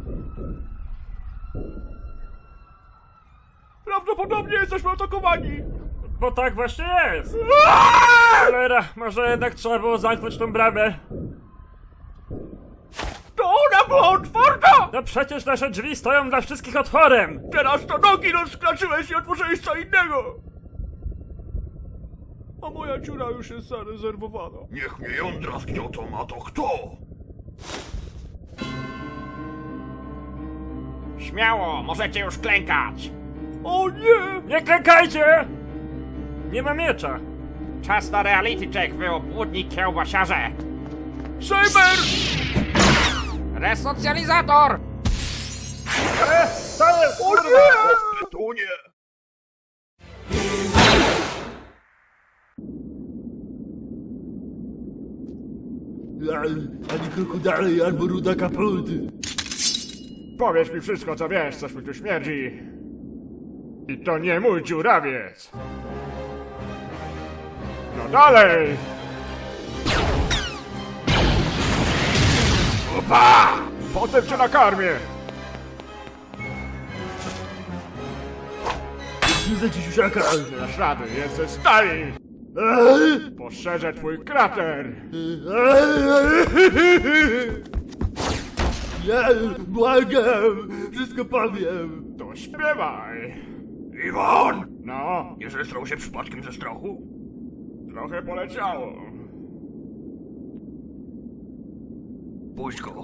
Prawdopodobnie jesteśmy atakowani! Bo tak właśnie jest! Cholera, może jednak trzeba było zamknąć tą bramę. To ona była otwarta! No przecież nasze drzwi stoją dla wszystkich otworem! Teraz to nogi rozkraczyłeś i otworzyłeś co innego! A moja dziura już jest zarezerwowana. Niech mnie jądra zgniotą, a to kto? Śmiało, możecie już klękać! O nie! Nie klękajcie! Nie ma miecza! Czas na reality check, wy obłudni kiełbasiarze! Saber! Resocjalizator! To jest O kurwa! nie! Tytunie! Ani kroku dalej, albo ruda kaput. Powiedz mi wszystko, co wiesz, coś mi tu śmierdzi. I to nie mój dziurawiec! No dalej! Opa! Potem cię nakarmię! Nie za siusiaka. Nie dasz rady, jest ze stali! Poszerzę twój krater! Ja błagam, wszystko powiem. To śpiewaj! Iwan! No, Nie zestrał się przypadkiem ze strachu? trochę poleciało. Puść go.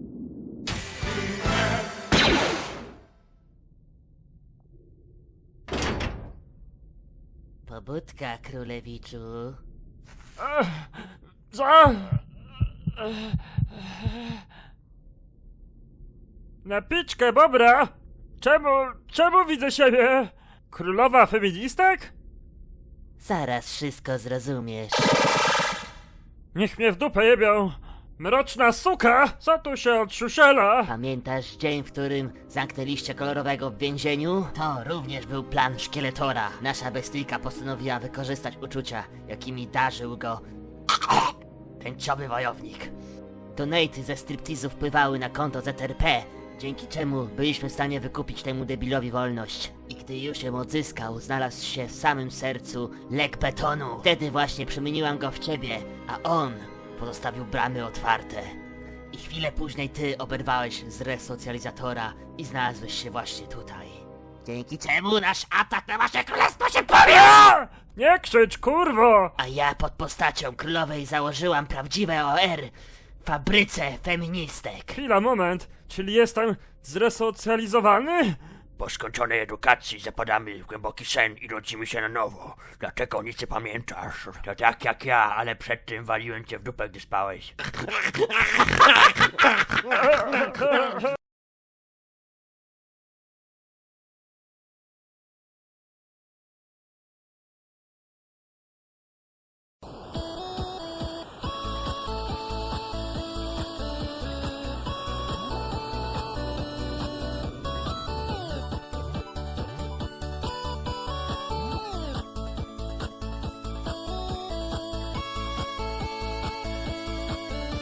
Pobudka, królewiczu. Co? Na piczkę, Bobra! Czemu widzę siebie? Królowa feministek? Zaraz wszystko zrozumiesz. Niech mnie w dupę jebią! Mroczna suka! Co tu się odsiusiela? Pamiętasz dzień, w którym zamknęliście kolorowego w więzieniu? To również był plan Szkieletora. Nasza bestyjka postanowiła wykorzystać uczucia, jakimi darzył go tęczowy wojownik. Donaty ze striptizu wpływały na konto ZRP, dzięki czemu byliśmy w stanie wykupić temu debilowi wolność. I gdy już ją odzyskał, znalazł się w samym sercu lek betonu. Wtedy właśnie przemieniłam go w ciebie, a on pozostawił bramy otwarte. I chwilę później ty oberwałeś z resocjalizatora i znalazłeś się właśnie tutaj. Dzięki czemu nasz atak na wasze królestwo się powiódł! Nie krzycz, kurwo! A ja pod postacią królowej założyłam prawdziwe OR w fabryce feministek. Chwila, moment. Czyli jestem zresocjalizowany? Po skończonej edukacji zapadamy w głęboki sen i rodzimy się na nowo. Dlaczego nic nie pamiętasz? To tak jak ja, ale przed tym waliłem cię w dupę, gdy spałeś.